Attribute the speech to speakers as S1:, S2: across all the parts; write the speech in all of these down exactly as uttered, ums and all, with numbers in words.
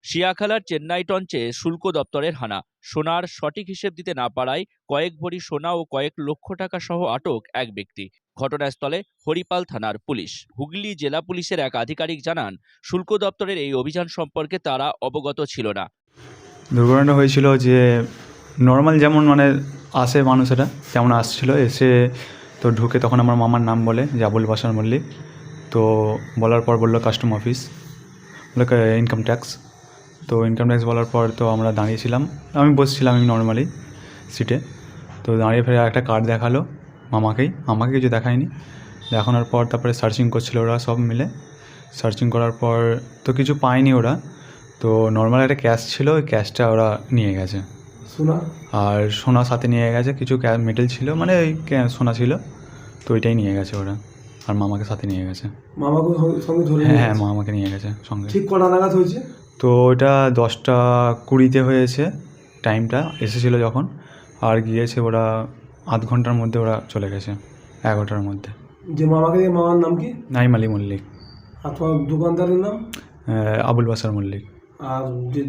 S1: শিয়াখালার চেন্নাই টঞ্চে শুল্ক দপ্তরের হানা। সোনার সঠিক হিসেব দিতে না পারায় কয়েক ভরি সোনা ও কয়েক লক্ষ টাকা সহ আটক এক ব্যক্তি। ঘটনাস্থলে হরিপাল থানার পুলিশ। হুগলি জেলা পুলিশের এক আধিকারিক জানান, শুল্ক দপ্তরের এই অভিযান সম্পর্কে তারা অবগত ছিল না।
S2: দুর্ঘটনা হয়েছিল যে নর্মাল যেমন মানে আসে মানুষেরা তেমন আসছিল, এসে তো ঢুকে তখন আমার মামার নাম বলে যে আবুল বাসার মল্লিক। তো বলার পর বললো কাস্টম অফিস, বললো ইনকাম ট্যাক্স। তো ইনকাম ট্যাক্স বলার পর তো আমরা দাঁড়িয়েছিলাম, আমি বসছিলাম আমি নর্মালি সিটে। তো দাঁড়িয়ে ফেরে একটা কার্ড দেখালো মামাকেই, আমাকে কিছু দেখায়নি। দেখানোর পর তারপরে সার্চিং করছিল ওরা সব মিলে। সার্চিং করার পর তো কিছু পায়নি ওরা। তো নর্মাল একটা ক্যাশ ছিল, ওই ক্যাশটা ওরা নিয়ে গেছে।
S3: সোনা
S2: আর সোনা সাথে নিয়ে গেছে, কিছু মেটেল ছিল, মানে ওই সোনা ছিল, তো ওইটাই নিয়ে গেছে ওরা। আর মামাকে সাথে নিয়ে গেছে।
S3: মামাকে সঙ্গে ধরে
S2: হ্যাঁ হ্যাঁ মামাকে নিয়ে গেছে সঙ্গে।
S3: ঠিক কটা নাগাদ হয়েছে?
S2: তো ওটা দশটা কুড়িতে হয়েছে টাইমটা, এসেছিল যখন। আর গিয়েছে ওরা আধ ঘন্টার মধ্যে ওরা চলে গেছে, এগারোটার মধ্যে।
S3: যে মামাকে দিয়ে মামার নাম কি?
S2: নাইম আলী মল্লিক।
S3: আর তোমার দোকানদারের নাম?
S2: আবুল বাসার মল্লিক।
S3: আর যে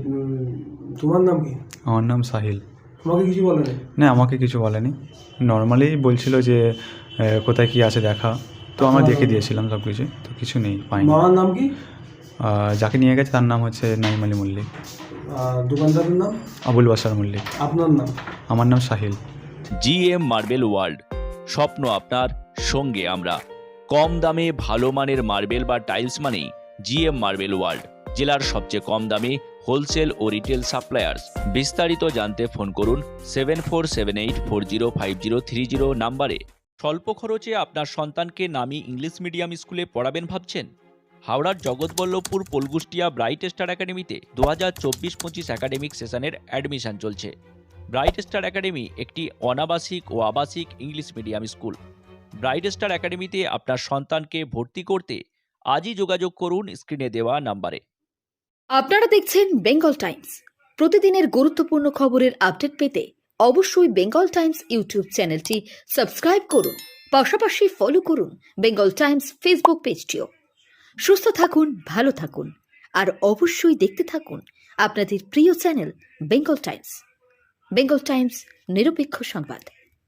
S3: তোমার নাম কি?
S2: আমার নাম সাহিল।
S3: তোমাকে কিছু বলেনি?
S2: না আমাকে কিছু বলেনি, নর্মালি বলছিল যে কোথায় কি আছে দেখা। তো আমরা দেখে দিয়েছিলাম সব কিছু, তো কিছু নেই, পাইনি।
S3: মামার নাম কি?
S2: যাকে নিয়ে গেছে তার নাম হচ্ছে নাইম আলী মল্লিক।
S3: আর দোকানদারের নাম?
S2: আবুল বাসার মল্লিক।
S3: আপনার নাম?
S2: আমার নাম সাহিল।
S1: জিএম মার্বেল ওয়ার্ল্ড, স্বপ্ন আপনার, সঙ্গে আমরা। কম দামে ভালো মানের মার্বেল বা টাইলস মানেই জিএম মার্বেল ওয়ার্ল্ড, জেলার সবচেয়ে কম দামে হোলসেল ও রিটেল সাপ্লায়ার্স। বিস্তারিত জানতে ফোন করুন seven four seven eight four zero five zero three zero নাম্বারে। স্বল্প খরচে আপনার সন্তানকে নামী ইংলিশ মিডিয়াম স্কুলে পড়াবেন ভাবছেন? হাওড়ার জগৎবল্লভপুর পলগুষ্টিয়া ব্রাইট স্টার একাডেমিতে দু হাজার চব্বিশ পঁচিশ একাডেমিক সেশনের অ্যাডমিশন চলছে। ব্রাইট স্টার একাডেমি একটি অনাবাসিক ও আবাসিক English medium school. Bright star একাডেমিতে আপনার সন্তানকে ভর্তি করতে আজই যোগাযোগ করুন স্ক্রিনে দেওয়া নাম্বারে।
S4: আপনারা দেখছেন বেঙ্গল টাইমস। প্রতিদিনের গুরুত্বপূর্ণ খবরের আপডেট পেতে অবশ্যই বেঙ্গল টাইমস ইউটিউব চ্যানেলটি সাবস্ক্রাইব করুন, পাশাপাশি ফলো করুন বেঙ্গল টাইমস ফেসবুক পেজটিও। সুস্থ থাকুন, ভালো থাকুন, আর অবশ্যই দেখতে থাকুন আপনাদের প্রিয় channel Bengal Times. Bengal Times, নিরপেক্ষ সংবাদ।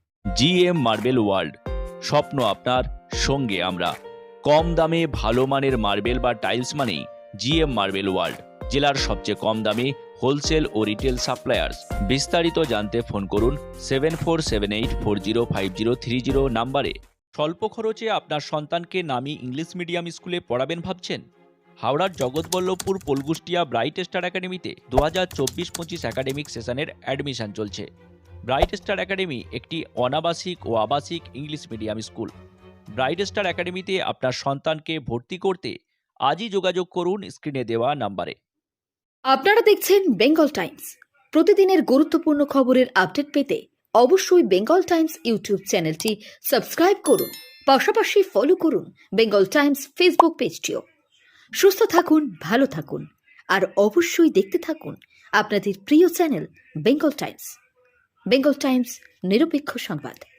S1: জিএম মার্বেল ওয়ার্ল্ড, স্বপ্ন আপনার, সঙ্গে আমরা। কম দামে ভালো মানের মার্বেল বা টাইলস মানেই জিএম মার্বেল ওয়ার্ল্ড, জেলার সবচেয়ে কম দামে হোলসেল ও রিটেল সাপ্লায়ার্স। বিস্তারিত জানতে ফোন করুন seven four seven eight four zero five zero three zero নাম্বারে। স্বল্প খরচে আপনার সন্তানকে নামী ইংলিশ মিডিয়াম স্কুলে পড়াবেন ভাবছেন? হাওড়ার জগৎবল্লভপুর পলগুষ্টিয়া ব্রাইট স্টার একাডেমিতে দু হাজার চব্বিশ পঁচিশ একাডেমিক সেশনের অ্যাডমিশন চলছে। ব্রাইট স্টার একাডেমি একটি অনাবাসিক ও আবাসিক English medium school. Bright star একাডেমিতে আপনার সন্তানকে ভর্তি করতে আজই যোগাযোগ করুন স্ক্রিনে দেওয়া নাম্বারে।
S4: আপনারা দেখছেন বেঙ্গল টাইমস। প্রতিদিনের গুরুত্বপূর্ণ খবরের আপডেট পেতে অবশ্যই বেঙ্গল টাইমস ইউটিউব চ্যানেলটি সাবস্ক্রাইব করুন, পাশাপাশি ফলো করুন বেঙ্গল টাইমস ফেসবুক পেজটিও। সুস্থ থাকুন, ভালো থাকুন, আর অবশ্যই দেখতে থাকুন আপনাদের প্রিয় channel Bengal Times. Bengal Times, নিরপেক্ষ সংবাদ।